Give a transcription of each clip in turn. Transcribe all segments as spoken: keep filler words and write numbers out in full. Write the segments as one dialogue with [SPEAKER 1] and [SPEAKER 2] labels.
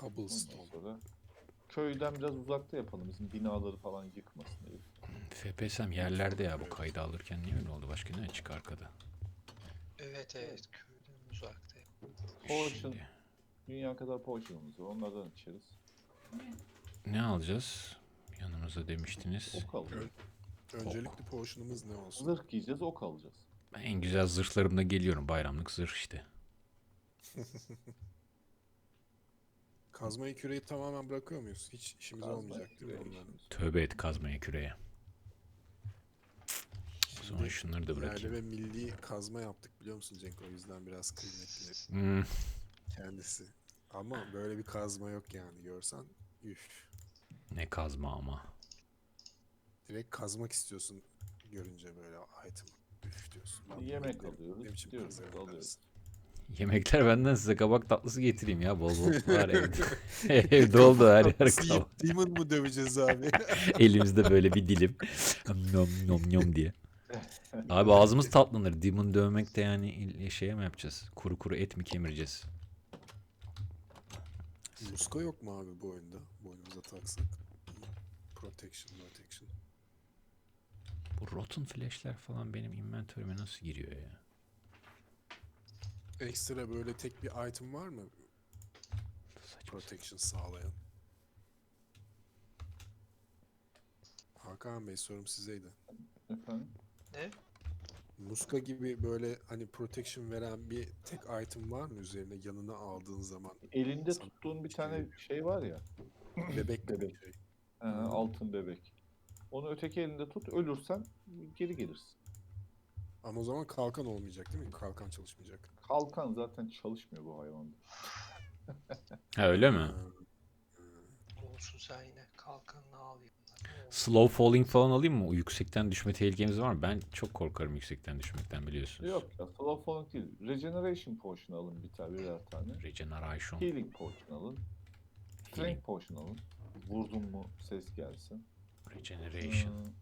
[SPEAKER 1] Ondan
[SPEAKER 2] Cobblestone.
[SPEAKER 1] sonra köyden biraz uzakta yapalım. Bizim binaları falan yıkmasın diye.
[SPEAKER 3] F P S'm yerlerde ya, bu kaydı alırken niye öyle oldu? Başka ne açık arkada?
[SPEAKER 4] Evet evet köyden uzakta.
[SPEAKER 1] Potion.
[SPEAKER 3] Şimdi
[SPEAKER 1] Dünya kadar potion'umuz var. Onlardan içeriz.
[SPEAKER 3] ne alacağız? Yanımıza demiştiniz.
[SPEAKER 1] Ok alacağız.
[SPEAKER 2] Öncelikli potion'umuz ne olsun?
[SPEAKER 1] Zırh giyeceğiz, ok alacağız.
[SPEAKER 3] Ben en güzel zırhlarımla geliyorum. Bayramlık zırh işte.
[SPEAKER 2] Kazmayı küreği tamamen bırakıyor muyuz? Hiç işimiz
[SPEAKER 1] Kazma
[SPEAKER 2] olmayacak değil mi
[SPEAKER 1] küreği
[SPEAKER 2] onların?
[SPEAKER 1] işimiz.
[SPEAKER 3] Tövbe et kazmaya küreye. O zaman
[SPEAKER 2] Şimdi
[SPEAKER 3] şunları da
[SPEAKER 2] yerli
[SPEAKER 3] bırakayım.
[SPEAKER 2] ve milli kazma yaptık biliyor musun Cenk? O yüzden biraz kıymetli
[SPEAKER 3] Hmm,
[SPEAKER 2] kendisi. Ama böyle bir kazma yok yani görsen. Üf.
[SPEAKER 3] ne kazma ama.
[SPEAKER 2] Direkt kazmak istiyorsun görünce böyle item. Üf diyorsun. Lan bu
[SPEAKER 1] Yemek
[SPEAKER 2] ne-
[SPEAKER 1] alıyoruz.
[SPEAKER 2] ne biçim
[SPEAKER 1] Diyoruz,
[SPEAKER 2] kazanıyor
[SPEAKER 1] alıyoruz.
[SPEAKER 2] dersin.
[SPEAKER 3] Yemekler benden, size kabak tatlısı getireyim ya, bol bol var evde. Evde oldu her yer
[SPEAKER 2] Tatlısı
[SPEAKER 3] kabak.
[SPEAKER 2] yiyip Demon mu döveceğiz abi?
[SPEAKER 3] Elimizde böyle bir dilim. Nom nom nom diye. Abi ağzımız tatlanır. Demon dövmek de yani il- şeye mi yapacağız? Kuru kuru et mi kemireceğiz?
[SPEAKER 2] Muska yok mu abi bu oyunda? Boynumuza taksak. Protection, protection.
[SPEAKER 3] Bu rotten flash'ler falan benim inventörüme nasıl giriyor ya?
[SPEAKER 2] Ekstra böyle tek bir item var mı?
[SPEAKER 3] Saçma.
[SPEAKER 2] Protection sağlayan. Hakan Bey sorum sizeydi.
[SPEAKER 1] Efendim?
[SPEAKER 4] Ne?
[SPEAKER 2] Muska gibi böyle hani protection veren bir tek item var mı üzerine yanına aldığın zaman?
[SPEAKER 1] Elinde
[SPEAKER 2] Sana
[SPEAKER 1] tuttuğun bir
[SPEAKER 2] şey
[SPEAKER 1] tane
[SPEAKER 2] veriyor.
[SPEAKER 1] şey var ya.
[SPEAKER 2] Bebek gibi
[SPEAKER 1] Bebek.
[SPEAKER 2] bir şey.
[SPEAKER 1] He, altın bebek. Onu öteki elinde tut. Ölürsen geri gelirsin.
[SPEAKER 2] Ama o zaman kalkan olmayacak değil mi? Kalkan çalışmayacak.
[SPEAKER 1] Kalkan zaten çalışmıyor bu hayvanda.
[SPEAKER 3] Ha öyle mi?
[SPEAKER 2] Ha,
[SPEAKER 4] Olsun sen yine kalkanını al yanına. Ne olur.
[SPEAKER 3] Slow falling falan alayım mı? O yüksekten düşme tehlikemiz var mı? Ben çok korkarım yüksekten düşmekten, biliyorsunuz.
[SPEAKER 1] Yok ya, slow falling değil. Regeneration potion alın bir tane, birer tane.
[SPEAKER 3] Regeneration.
[SPEAKER 1] Healing potion alın. Strength
[SPEAKER 3] Healing.
[SPEAKER 1] potion alın. Vurdun mu ses gelsin.
[SPEAKER 3] Regeneration.
[SPEAKER 1] Hmm,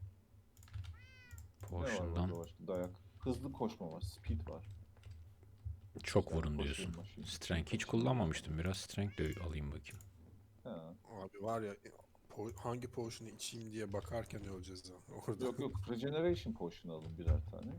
[SPEAKER 1] ne var
[SPEAKER 3] Potion'dan
[SPEAKER 1] burada başka? Dayak. Hızlı koşma var. Speed var.
[SPEAKER 3] çok
[SPEAKER 1] İşte
[SPEAKER 3] vurun
[SPEAKER 1] koşayım,
[SPEAKER 3] diyorsun.
[SPEAKER 1] koşayım.
[SPEAKER 3] Strength hiç
[SPEAKER 1] Koşayım.
[SPEAKER 3] kullanmamıştım. Biraz strength de alayım bakayım.
[SPEAKER 1] Ha.
[SPEAKER 2] abi var ya po- hangi potion'u içeyim diye bakarken öleceğiz ha. Orada.
[SPEAKER 1] Yok yok. Regeneration potion alın birer tane.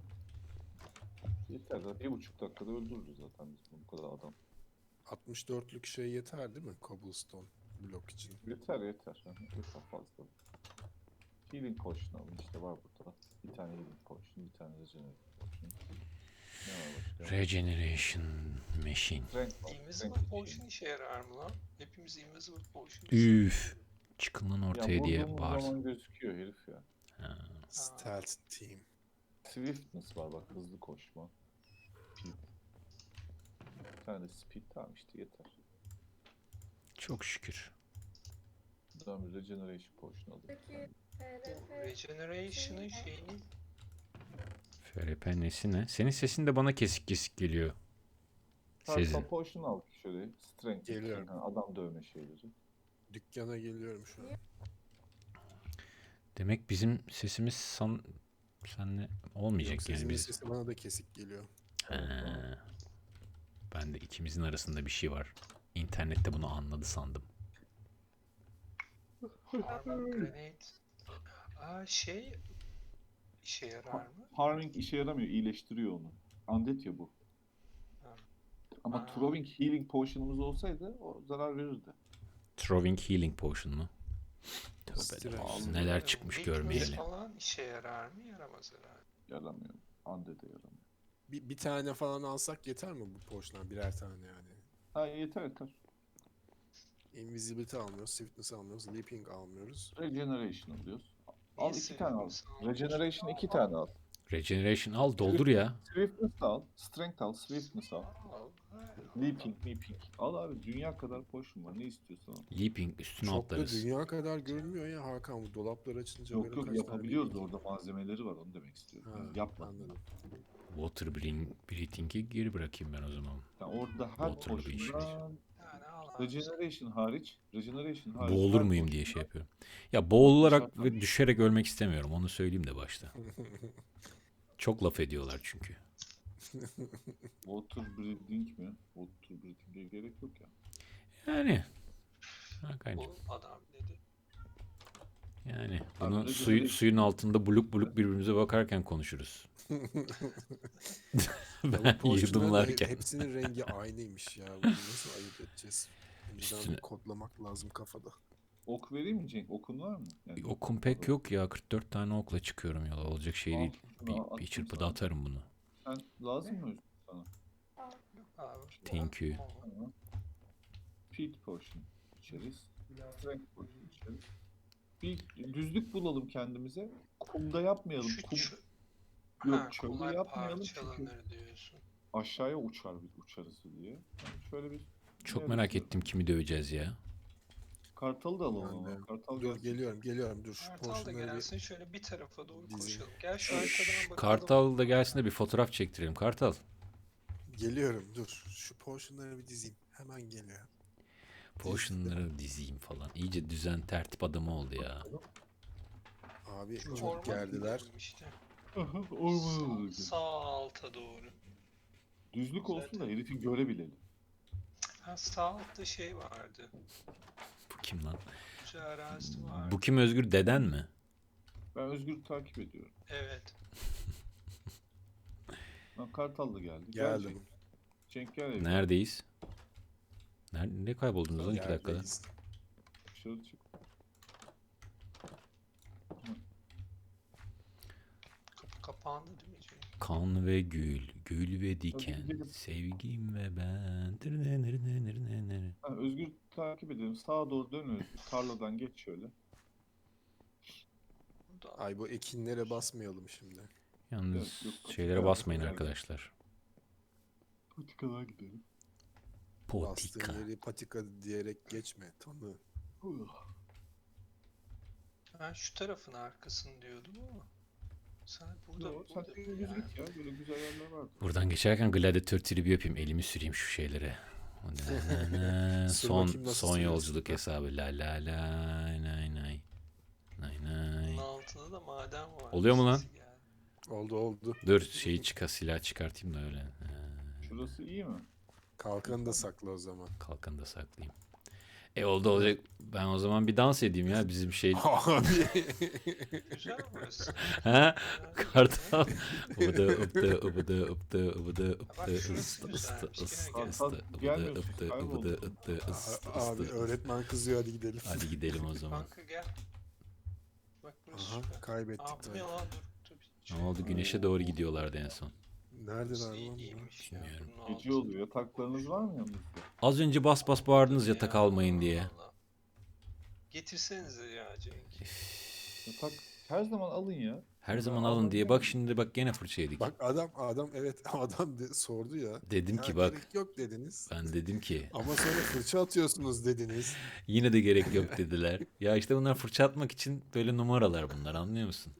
[SPEAKER 1] Yeter. Zaten bir buçuk dakikada öldürürüz zaten biz bu kadar adam.
[SPEAKER 2] altmış dörtlük şey yeter değil mi? Cobblestone blok için.
[SPEAKER 1] Yeter yeter. Hı hı, yeter fazla. Healing potion alın. İşte var burada. Bir tane healing potion, bir tane regeneration potion. Ne var başka?
[SPEAKER 3] Regeneration machine.
[SPEAKER 1] Strength var.
[SPEAKER 4] Invisible
[SPEAKER 1] Strength
[SPEAKER 4] Potion
[SPEAKER 1] için.
[SPEAKER 4] işe yarar mı lan? Hepimiz Invisible Potion
[SPEAKER 3] Üf. Çıkın lan
[SPEAKER 1] Ya
[SPEAKER 3] ortaya diye
[SPEAKER 1] vurduğumuz
[SPEAKER 3] bağırsın.
[SPEAKER 1] zaman gözüküyor herif ya.
[SPEAKER 3] Ha.
[SPEAKER 2] Stealth team.
[SPEAKER 1] Swiftness var bak, hızlı koşma. Speed. Bir tane de speed, tamam işte yeter.
[SPEAKER 3] Çok şükür.
[SPEAKER 1] Buradan bir regeneration potion alın.
[SPEAKER 5] Peki
[SPEAKER 4] Bu Regeneration'ın şeyini
[SPEAKER 3] F R P nesi ne? Senin sesin de bana kesik kesik geliyor. Sezin.
[SPEAKER 1] Sezin. Potion al şöyle. Strength.
[SPEAKER 2] Geliyorum.
[SPEAKER 1] Yani adam dövme şeyleri.
[SPEAKER 2] Dükkana geliyorum şu an.
[SPEAKER 3] Demek bizim sesimiz san... senle olmayacak
[SPEAKER 2] Yok,
[SPEAKER 3] yani
[SPEAKER 2] sesinin
[SPEAKER 3] biz.
[SPEAKER 2] sesi bana da kesik geliyor.
[SPEAKER 3] Ha. Ben de ikimizin arasında bir şey var. İnternette bunu anladı sandım.
[SPEAKER 4] Armor Grenade. Aa şey işe yarar mı?
[SPEAKER 1] Harming işe yaramıyor. İyileştiriyor onu. Undead ya bu.
[SPEAKER 4] Ha.
[SPEAKER 1] Ama
[SPEAKER 4] Aa.
[SPEAKER 1] throwing healing potion'umuz olsaydı o zarar verirdi.
[SPEAKER 3] Throwing Healing Potion mu? Tövbe
[SPEAKER 2] Strength.
[SPEAKER 3] de.
[SPEAKER 1] Aldım.
[SPEAKER 3] Neler çıkmış
[SPEAKER 4] Weakness
[SPEAKER 3] görmeyeli.
[SPEAKER 4] falan işe yarar mı? Yaramaz herhalde.
[SPEAKER 1] Yaramıyor. Undead'e yaramıyor.
[SPEAKER 2] Bir, bir tane falan alsak yeter mi bu potion'dan? Birer tane yani.
[SPEAKER 1] Ha yeter yeter.
[SPEAKER 2] Invisibility almıyoruz, Swiftness almıyoruz, Leaping almıyoruz.
[SPEAKER 1] Regeneration alıyoruz. Al
[SPEAKER 4] Niye
[SPEAKER 1] iki tane al.
[SPEAKER 4] Swiftness almış?
[SPEAKER 1] Regeneration iki tane al.
[SPEAKER 3] Regeneration al, doldur ya.
[SPEAKER 1] Swiftness al. Strength al. Swiftness al.
[SPEAKER 4] Al, ha.
[SPEAKER 1] Leaping, leaping. Al abi, dünya kadar potion var. Ne istiyorsan al.
[SPEAKER 3] Leaping üstüne
[SPEAKER 2] Çok da
[SPEAKER 3] atlarız.
[SPEAKER 2] dünya kadar görünmüyor ya Hakan. Bu dolaplar açınca
[SPEAKER 1] Yok
[SPEAKER 2] böyle
[SPEAKER 1] yok,
[SPEAKER 2] kaç tane
[SPEAKER 1] yapabiliyoruz,
[SPEAKER 2] leaping-
[SPEAKER 1] orada malzemeleri var, onu demek istiyorum.
[SPEAKER 2] Ha,
[SPEAKER 1] Yani yapma.
[SPEAKER 2] anladım.
[SPEAKER 3] Water breathing- breathing'i geri bırakayım ben o zaman.
[SPEAKER 1] Yani orada her
[SPEAKER 3] Water'lı bir iş.
[SPEAKER 1] potion'dan
[SPEAKER 4] Yani al abi.
[SPEAKER 1] regeneration hariç, regeneration hariç
[SPEAKER 3] Boğulur
[SPEAKER 1] her
[SPEAKER 3] muyum diye
[SPEAKER 1] potion'dan-
[SPEAKER 3] şey yapıyorum. Ya boğularak
[SPEAKER 1] Dışarıdan-
[SPEAKER 3] ve düşerek ölmek istemiyorum. Onu söyleyeyim de başta. Çok laf ediyorlar çünkü.
[SPEAKER 1] Water breathing mi? Water breathing'e gerek yok ya.
[SPEAKER 3] Yani Hakan'cığım.
[SPEAKER 4] Bu adam dedi.
[SPEAKER 3] Yani
[SPEAKER 1] Abi
[SPEAKER 3] bunu
[SPEAKER 1] ne
[SPEAKER 3] suyu,
[SPEAKER 1] güzel.
[SPEAKER 3] suyun altında buluk buluk birbirimize bakarken konuşuruz.
[SPEAKER 2] Ya bu
[SPEAKER 3] Ben
[SPEAKER 2] potionların da he-
[SPEAKER 3] yudumlarken.
[SPEAKER 2] hepsinin rengi aynıymış ya. Bunu nasıl ayırt edeceğiz? Önceden
[SPEAKER 3] Üstüne-
[SPEAKER 2] bir kodlamak lazım kafada.
[SPEAKER 1] Ok vereyim mi Cenk? Okun var mı? Yani
[SPEAKER 3] Okum pek yok ya. kırk dört tane okla çıkıyorum yola. Olacak şey
[SPEAKER 1] Al,
[SPEAKER 3] değil.
[SPEAKER 1] şunu
[SPEAKER 3] Bir,
[SPEAKER 1] attım
[SPEAKER 3] bir çırpıda
[SPEAKER 1] sana.
[SPEAKER 3] atarım bunu.
[SPEAKER 1] Sen lazım mı Özgür sana?
[SPEAKER 4] Yok abi.
[SPEAKER 3] Thank you.
[SPEAKER 4] Tamam.
[SPEAKER 1] Tamam. Feed potion içeriz. Strength potion içeriz. Bir düzlük bulalım kendimize. Kumda yapmayalım.
[SPEAKER 4] Şu
[SPEAKER 1] Kum
[SPEAKER 4] çö-
[SPEAKER 1] yok
[SPEAKER 4] ha,
[SPEAKER 1] çölde
[SPEAKER 4] kumlar
[SPEAKER 1] yapmayalım çünkü
[SPEAKER 4] parçalanır diyorsun.
[SPEAKER 1] aşağıya uçar bir uçarız diye. Yani şöyle bir
[SPEAKER 3] Çok
[SPEAKER 1] ne
[SPEAKER 3] merak
[SPEAKER 1] yapıyorsun?
[SPEAKER 3] ettim kimi döveceğiz ya.
[SPEAKER 1] Kartalı da alalım
[SPEAKER 2] Ben
[SPEAKER 1] ama.
[SPEAKER 2] de.
[SPEAKER 1] Kartal
[SPEAKER 2] Dur
[SPEAKER 1] gelsin.
[SPEAKER 2] geliyorum geliyorum dur şu
[SPEAKER 4] Kartal da
[SPEAKER 2] potionları bir
[SPEAKER 4] gelsin şöyle bir tarafa doğru
[SPEAKER 2] dizeyim.
[SPEAKER 4] koşalım. Gel şu
[SPEAKER 3] Şş,
[SPEAKER 4] arkadan bakalım.
[SPEAKER 3] Kartal da gelsin de bir fotoğraf çektirelim. Kartal.
[SPEAKER 2] geliyorum dur. Şu potionları bir dizeyim. Hemen geliyorum.
[SPEAKER 3] Potion'ları dizeyim falan. İyice düzen tertip adamı oldu ya.
[SPEAKER 2] Abi
[SPEAKER 4] Şu
[SPEAKER 2] çok
[SPEAKER 4] ormana
[SPEAKER 2] gerdiler.
[SPEAKER 4] gidelim işte.
[SPEAKER 1] Aha, ormana
[SPEAKER 4] Sağ,
[SPEAKER 1] doğru.
[SPEAKER 4] sağ alta doğru.
[SPEAKER 1] Düzlük olsun da
[SPEAKER 4] Zaten-
[SPEAKER 1] herifin görebilelim.
[SPEAKER 4] Ha, sağ altta şey vardı.
[SPEAKER 3] Bu kim lan?
[SPEAKER 4] Güzel arazi vardı.
[SPEAKER 3] Bu kim Özgür? Deden mi?
[SPEAKER 1] Ben Özgür'ü takip ediyorum.
[SPEAKER 4] Evet.
[SPEAKER 1] Lan Kartal da geldi. Gel
[SPEAKER 2] Geldim.
[SPEAKER 1] Cenk. Cenk gel evine.
[SPEAKER 3] Neredeyiz? Nerede, ne kayboldunuz lan iki dakikada?
[SPEAKER 2] Yerdeyiz.
[SPEAKER 1] Dışarı çık.
[SPEAKER 4] Kapı kapandı değil mi Cenk?
[SPEAKER 3] Kan ve gül, gül ve diken,
[SPEAKER 1] gidelim.
[SPEAKER 3] sevgim ve ben. Tırnı nırı nırı nırı nırı.
[SPEAKER 1] Ha, Özgür takip edelim. Sağa doğru dön Özgür. Tarladan geç şöyle.
[SPEAKER 4] Burada
[SPEAKER 2] Ay bu ekinlere basmayalım şimdi.
[SPEAKER 3] Yalnız
[SPEAKER 1] Evet, yok,
[SPEAKER 3] şeylere
[SPEAKER 1] patika
[SPEAKER 3] basmayın
[SPEAKER 1] yapacağız.
[SPEAKER 3] arkadaşlar.
[SPEAKER 1] Patikalara gidelim.
[SPEAKER 2] Bastığın
[SPEAKER 3] Potika.
[SPEAKER 2] yeri patika diyerek geçme. Tanı.
[SPEAKER 4] ben şu tarafın arkasını diyordum ama. Sen burada,
[SPEAKER 1] Yo, sen
[SPEAKER 4] burada
[SPEAKER 1] de
[SPEAKER 4] bir
[SPEAKER 1] düz
[SPEAKER 4] yer.
[SPEAKER 1] git ya. Böyle güzel yerler vardı.
[SPEAKER 3] Buradan geçerken gladyatör tribi yapayım. Elimi süreyim şu şeylere.
[SPEAKER 2] Sür
[SPEAKER 3] son
[SPEAKER 2] bakayım nasıl
[SPEAKER 3] son
[SPEAKER 2] sürüyorsun.
[SPEAKER 3] yolculuk hesabı. La la la nay nay. Nay nay.
[SPEAKER 4] Bunun altında da maden var.
[SPEAKER 3] Oluyor mu lan?
[SPEAKER 4] Sesi geldi.
[SPEAKER 2] Oldu oldu.
[SPEAKER 3] Dur şeyi çıkar silah çıkartayım da öyle. Ha,
[SPEAKER 1] Şurası iyi mi?
[SPEAKER 2] Kalkanı da sakla o zaman.
[SPEAKER 3] kalkanı da saklayayım. E oldu olacak. Ben o zaman bir dans edeyim ya bizim şey.
[SPEAKER 2] Abi.
[SPEAKER 4] Güzel burası.
[SPEAKER 3] Ha?
[SPEAKER 4] Güzel.
[SPEAKER 3] Kartal. Ubıdı ıptı ıbıdı ıptı ıbıdı
[SPEAKER 4] Bak
[SPEAKER 3] ıptı
[SPEAKER 4] şurası
[SPEAKER 3] ıstı
[SPEAKER 4] güzelmiş,
[SPEAKER 3] ıstı
[SPEAKER 4] gel
[SPEAKER 3] ıstı
[SPEAKER 4] gel.
[SPEAKER 3] ıstı ıbıdı
[SPEAKER 1] Gelmiyorsun,
[SPEAKER 3] ıptı
[SPEAKER 1] kayboldun.
[SPEAKER 3] ıbıdı ıptı ıstı
[SPEAKER 2] Abi
[SPEAKER 3] ıstı.
[SPEAKER 2] öğretmen kızıyor hadi gidelim.
[SPEAKER 3] Hadi gidelim o zaman.
[SPEAKER 4] Kanka gel. Bak burası
[SPEAKER 2] Aha
[SPEAKER 4] süper.
[SPEAKER 2] kaybettik
[SPEAKER 4] Aa bu
[SPEAKER 2] tabii.
[SPEAKER 4] ne lan dur. dur.
[SPEAKER 3] Ne oldu? Güneşe doğru gidiyorlardı en son.
[SPEAKER 2] Neredeler
[SPEAKER 4] Burası
[SPEAKER 2] lan?
[SPEAKER 4] iyi-
[SPEAKER 2] bunlar?
[SPEAKER 4] iyiymiş ya,
[SPEAKER 3] Bilmiyorum.
[SPEAKER 4] bunun
[SPEAKER 1] Gece
[SPEAKER 4] altı.
[SPEAKER 1] oluyor. Yataklarınız var mı yanınızda?
[SPEAKER 3] Az önce bas bas bağırdınız yatak
[SPEAKER 4] Ya,
[SPEAKER 3] almayın diye.
[SPEAKER 4] vallahi. Getirsenize ya Cenk.
[SPEAKER 1] Yatak her zaman alın ya.
[SPEAKER 3] Her
[SPEAKER 1] Ben
[SPEAKER 3] zaman alın
[SPEAKER 1] almam
[SPEAKER 3] diye.
[SPEAKER 1] yani.
[SPEAKER 3] Bak şimdi bak gene fırça yedik.
[SPEAKER 2] Bak adam adam evet adam de, sordu ya.
[SPEAKER 3] Dedim
[SPEAKER 2] Ya
[SPEAKER 3] ki bak.
[SPEAKER 2] gerek yok dediniz.
[SPEAKER 3] Ben dedim ki
[SPEAKER 2] Ama sonra fırça atıyorsunuz dediniz.
[SPEAKER 3] yine de gerek yok dediler. Ya işte bunlar fırça atmak için böyle numaralar bunlar anlıyor musun?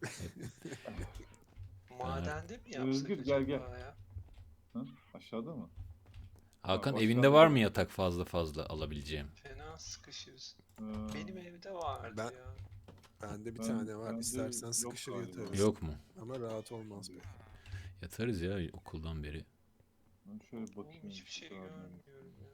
[SPEAKER 4] Madende mi yapsak
[SPEAKER 1] Özgür,
[SPEAKER 4] acaba
[SPEAKER 1] gel, gel.
[SPEAKER 4] ya?
[SPEAKER 1] Hı? Aşağıda mı?
[SPEAKER 3] Hakan
[SPEAKER 1] Ha,
[SPEAKER 3] evinde
[SPEAKER 1] aşağıda.
[SPEAKER 3] var mı yatak fazla fazla alabileceğim?
[SPEAKER 4] Fena sıkışırız.
[SPEAKER 1] Ee,
[SPEAKER 4] Benim evde vardı
[SPEAKER 2] Ben-
[SPEAKER 4] ya.
[SPEAKER 2] Bende bir
[SPEAKER 1] Ben-
[SPEAKER 2] tane var.
[SPEAKER 1] bende
[SPEAKER 2] İstersen
[SPEAKER 1] yok
[SPEAKER 2] sıkışır
[SPEAKER 1] galiba.
[SPEAKER 2] yatarız.
[SPEAKER 3] Yok mu?
[SPEAKER 2] Ama rahat olmaz pek.
[SPEAKER 3] Yatarız ya okuldan beri.
[SPEAKER 1] Ben şöyle
[SPEAKER 4] Oğlum
[SPEAKER 1] bakayım.
[SPEAKER 4] hiçbir şey
[SPEAKER 1] Daha ne-
[SPEAKER 4] görmüyorum ya.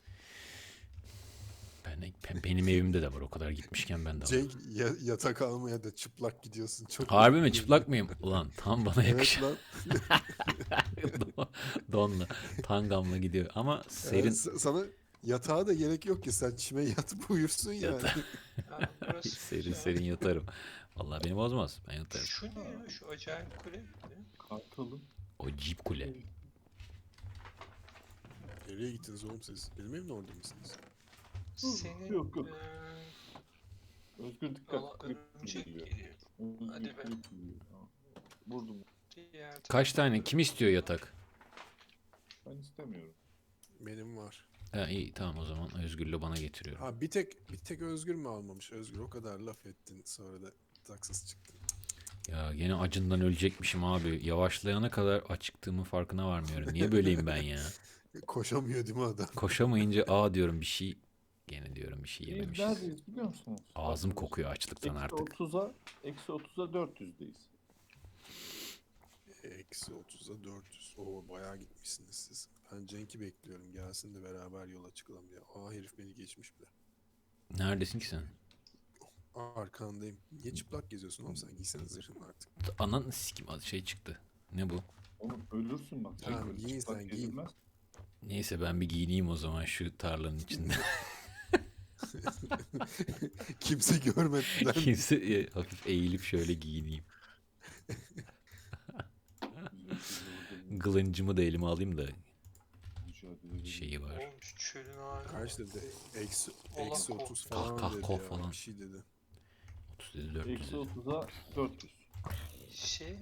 [SPEAKER 3] Ben, ben- benim evimde de var o kadar gitmişken ben de var.
[SPEAKER 2] Cenk ya- yatak almaya da çıplak gidiyorsun. Çok
[SPEAKER 3] Harbi mi
[SPEAKER 2] garip
[SPEAKER 3] çıplak mıyım? Ulan tam bana
[SPEAKER 2] Evet
[SPEAKER 3] yakışan
[SPEAKER 2] lan.
[SPEAKER 3] Don- donla tangamla gidiyor ama serin
[SPEAKER 2] Evet, sa- sana yatağa da gerek yok ki sen çime yatıp uyursun yani.
[SPEAKER 3] Yatağa-
[SPEAKER 4] Ha, burası
[SPEAKER 3] serin
[SPEAKER 4] güzel.
[SPEAKER 3] serin yatarım. Vallahi beni bozmaz ben yatarım.
[SPEAKER 4] Şu ne ya? Şu acayip kule. ne?
[SPEAKER 1] Kartalım.
[SPEAKER 3] O Jeep kule.
[SPEAKER 2] Nereye gittiniz oğlum siz? Benim evimde orada mısınız?
[SPEAKER 4] Senin
[SPEAKER 1] yok, yok.
[SPEAKER 4] eee,
[SPEAKER 1] Özgür dikkat.
[SPEAKER 4] valla
[SPEAKER 1] Klip
[SPEAKER 4] örümcek
[SPEAKER 1] geliyor.
[SPEAKER 4] geliyor.
[SPEAKER 1] Özgür
[SPEAKER 4] Hadi be.
[SPEAKER 1] klip geliyor. Ha. Vurdum.
[SPEAKER 4] Diğer
[SPEAKER 3] Kaç
[SPEAKER 4] tarafta-
[SPEAKER 3] tane? Kim istiyor yatak?
[SPEAKER 1] Ben istemiyorum.
[SPEAKER 2] Benim var.
[SPEAKER 3] Ha, iyi tamam o zaman Özgür'le bana getiriyorum.
[SPEAKER 2] Ha bir tek bir tek Özgür mü almamış? Özgür o kadar laf ettin sonra da taksız çıktın.
[SPEAKER 3] Ya gene acından ölecekmişim abi. Yavaşlayana kadar acıktığımın farkına varmıyorum. Niye böyleyim ben ya?
[SPEAKER 2] Koşamıyor değil mi adam?
[SPEAKER 3] Koşamayınca aa diyorum bir şey gene diyorum bir şey
[SPEAKER 1] Biz
[SPEAKER 3] yememişiz.
[SPEAKER 1] neredeyiz biliyor musunuz?
[SPEAKER 3] Ağzım
[SPEAKER 1] Arkadaşlar,
[SPEAKER 3] kokuyor açlıktan
[SPEAKER 1] Eksi
[SPEAKER 3] artık.
[SPEAKER 1] otuza, eksi otuza dört yüzdeyiz.
[SPEAKER 2] Eksi otuza dört yüz. Oo bayağı gitmişsiniz siz. Ben Cenk'i bekliyorum. Gelsin de beraber yola çıkalım diye. Aa herif beni geçmiş bile.
[SPEAKER 3] Neredesin ki sen?
[SPEAKER 2] Arkandayım. Niye çıplak geziyorsun oğlum sen? Giysene zırhını artık.
[SPEAKER 3] Anan sikim az şey çıktı. Ne bu?
[SPEAKER 1] Oğlum ölürsün bak.
[SPEAKER 2] Tamam,
[SPEAKER 1] Öyle
[SPEAKER 2] giyin
[SPEAKER 1] çıplak
[SPEAKER 2] sen, giyin.
[SPEAKER 1] gezilmez.
[SPEAKER 3] Neyse ben bir giyineyim o zaman şu tarlanın içinde.
[SPEAKER 2] Kimse görmeden.
[SPEAKER 3] Kimse e, hafif eğilip şöyle giyineyim. Gılıncımı da elime alayım da şeyi var.
[SPEAKER 4] Oğlum şu çölün hali.
[SPEAKER 2] Kaç dedi? Eksi,
[SPEAKER 4] Allah
[SPEAKER 2] eksi
[SPEAKER 4] korksun.
[SPEAKER 2] otuz falan
[SPEAKER 3] Kah, kah,
[SPEAKER 2] dedi
[SPEAKER 3] kah
[SPEAKER 2] ya.
[SPEAKER 3] falan.
[SPEAKER 2] Bir şey dedi.
[SPEAKER 3] otuz dedi dört yüz
[SPEAKER 1] Eksi
[SPEAKER 3] dedi.
[SPEAKER 1] otuza dört yüz.
[SPEAKER 4] Şey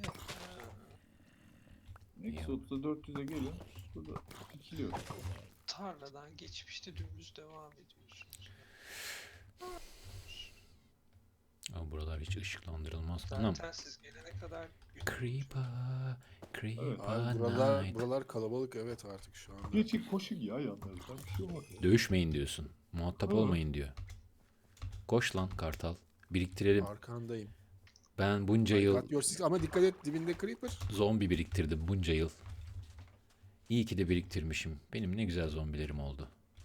[SPEAKER 1] Eksi otuza dört yüze gelin. Burada dikiliyor.
[SPEAKER 4] tarladan geçmişte dümdüz devam ediyorsunuz.
[SPEAKER 3] Ama buralar hiç ışıklandırılmaz. Anam.
[SPEAKER 4] Zaten siz gelene kadar gün
[SPEAKER 3] Creeper, Creeper
[SPEAKER 1] Evet.
[SPEAKER 2] Abi buralar,
[SPEAKER 3] night.
[SPEAKER 2] buralar kalabalık evet artık şu anda.
[SPEAKER 1] Geçin koşun ya yanlarından bir şey olmaz.
[SPEAKER 3] Dövüşmeyin diyorsun. Muhatap
[SPEAKER 1] Hı.
[SPEAKER 3] olmayın diyor. Koş lan kartal. Biriktirelim.
[SPEAKER 2] Arkandayım.
[SPEAKER 3] Ben bunca yıl
[SPEAKER 2] Cut your six- Ama dikkat et dibinde creeper.
[SPEAKER 3] zombi biriktirdim bunca yıl. İyi ki de biriktirmişim. Benim ne güzel zombilerim oldu.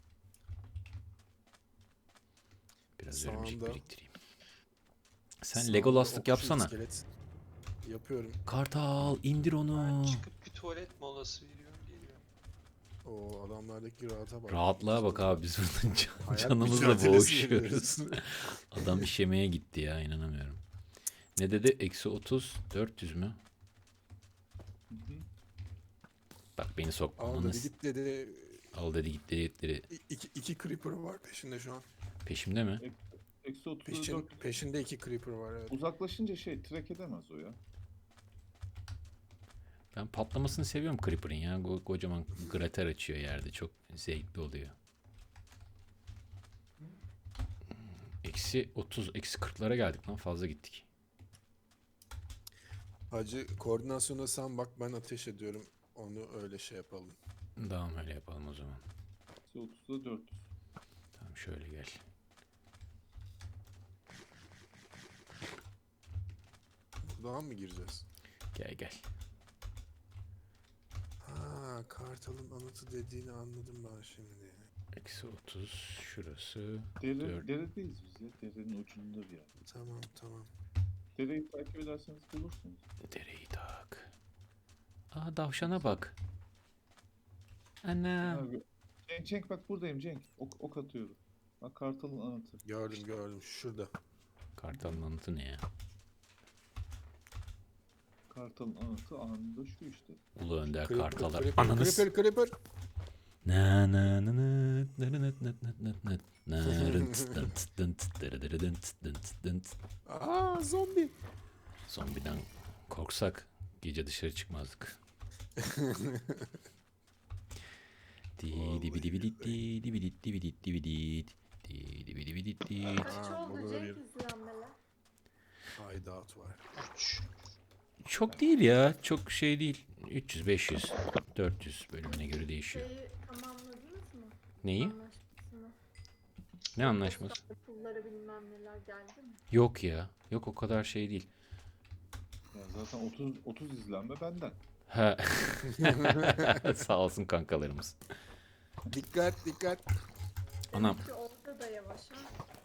[SPEAKER 3] Biraz örümcek
[SPEAKER 2] Sağında.
[SPEAKER 3] biriktireyim. Sen
[SPEAKER 2] Sağında
[SPEAKER 3] Legolas'lık
[SPEAKER 2] okçu
[SPEAKER 3] yapsana.
[SPEAKER 2] iskelet. Yapıyorum.
[SPEAKER 3] Kartal indir onu.
[SPEAKER 4] ben çıkıp bir tuvalet molası veriyorum geliyorum.
[SPEAKER 2] O adamlardaki rahata bak.
[SPEAKER 3] Rahatlığa bak abi biz burada can-
[SPEAKER 2] Hayat
[SPEAKER 3] canımızla
[SPEAKER 2] mücadelesi
[SPEAKER 3] boğuşuyoruz.
[SPEAKER 2] veriyoruz.
[SPEAKER 3] Adam işemeye gitti ya inanamıyorum. Ne dedi? Eksi otuz, dört yüz mü? Bak beni sokma.
[SPEAKER 2] Al
[SPEAKER 3] Ananı
[SPEAKER 2] dedi
[SPEAKER 3] s-
[SPEAKER 2] git dedi.
[SPEAKER 3] Al dedi gitti dedi.
[SPEAKER 2] İ- İki, iki creeper var peşinde şu an.
[SPEAKER 3] Peşimde mi?
[SPEAKER 1] Eksi otuza
[SPEAKER 2] Peşin,
[SPEAKER 1] dört.
[SPEAKER 2] peşinde iki creeper var evet.
[SPEAKER 1] Uzaklaşınca şey trek edemez o ya.
[SPEAKER 3] Ben patlamasını seviyorum Creeper'ın ya. Ko- Kocaman krater açıyor yerde. Çok zevkli oluyor. Eksi otuz, eksi kırklara geldik lan. Fazla gittik.
[SPEAKER 2] Hacı koordinasyona sen bak ben ateş ediyorum. Onu öyle şey yapalım.
[SPEAKER 3] Tamam öyle yapalım o zaman.
[SPEAKER 1] Eksi otuza dört yüz.
[SPEAKER 3] Tamam şöyle gel.
[SPEAKER 2] Buradan mı gireceğiz?
[SPEAKER 3] Gel gel.
[SPEAKER 2] Ha kartalın anıtı dediğini anladım ben şimdi.
[SPEAKER 3] Eksi otuz şurası.
[SPEAKER 1] Dere,
[SPEAKER 3] Dört.
[SPEAKER 1] deredeyiz biz ya. Derenin ucunda bir yer.
[SPEAKER 2] Tamam tamam.
[SPEAKER 1] Dereyi takip ederseniz bulursunuz.
[SPEAKER 3] Dereyi tak. Aa tavşana bak. Ana.
[SPEAKER 1] Abi, Cenk, Cenk bak buradayım Cenk. Ok, ok atıyorum. Bak kartalın anıtı.
[SPEAKER 2] Gördüm gördüm şurada.
[SPEAKER 3] Kartalın anıtı ne ya?
[SPEAKER 1] Kartalın anıtı anında şu işte.
[SPEAKER 3] Ulu Önder
[SPEAKER 2] Creeper,
[SPEAKER 3] kartalar.
[SPEAKER 2] creeper,
[SPEAKER 3] Ananız.
[SPEAKER 2] creeper creeper.
[SPEAKER 3] Na na na na na na na na na na na rınt dınt dınt dırı dırı dınt dınt dınt.
[SPEAKER 2] Aa zombi.
[SPEAKER 3] Zombiden korksak gece dışarı çıkmazdık. Di di bi di bi di di di bi di di bi di di bi di di di bi di bi di di.
[SPEAKER 5] Kaç
[SPEAKER 2] Aa,
[SPEAKER 5] oldu
[SPEAKER 2] burada
[SPEAKER 5] Cenk
[SPEAKER 2] bir-
[SPEAKER 5] izlenmeler?
[SPEAKER 2] Hideout var.
[SPEAKER 4] üç.
[SPEAKER 3] Çok değil ya. Çok şey değil. üç yüz, beş yüz, dört yüz bölümüne göre değişiyor.
[SPEAKER 5] Şeyi tamamladınız mı?
[SPEAKER 3] Neyi?
[SPEAKER 5] Anlaşmasını.
[SPEAKER 3] Ne anlaşması?
[SPEAKER 5] Pulları bilmem neler geldi mi?
[SPEAKER 3] Yok ya. Yok o kadar şey değil.
[SPEAKER 1] Ya zaten otuz otuz izlenme benden.
[SPEAKER 3] Ha. Sağ olsun kankalarımız.
[SPEAKER 2] Dikkat dikkat.
[SPEAKER 3] Anam.
[SPEAKER 5] Demek ki orada da yavaş ha.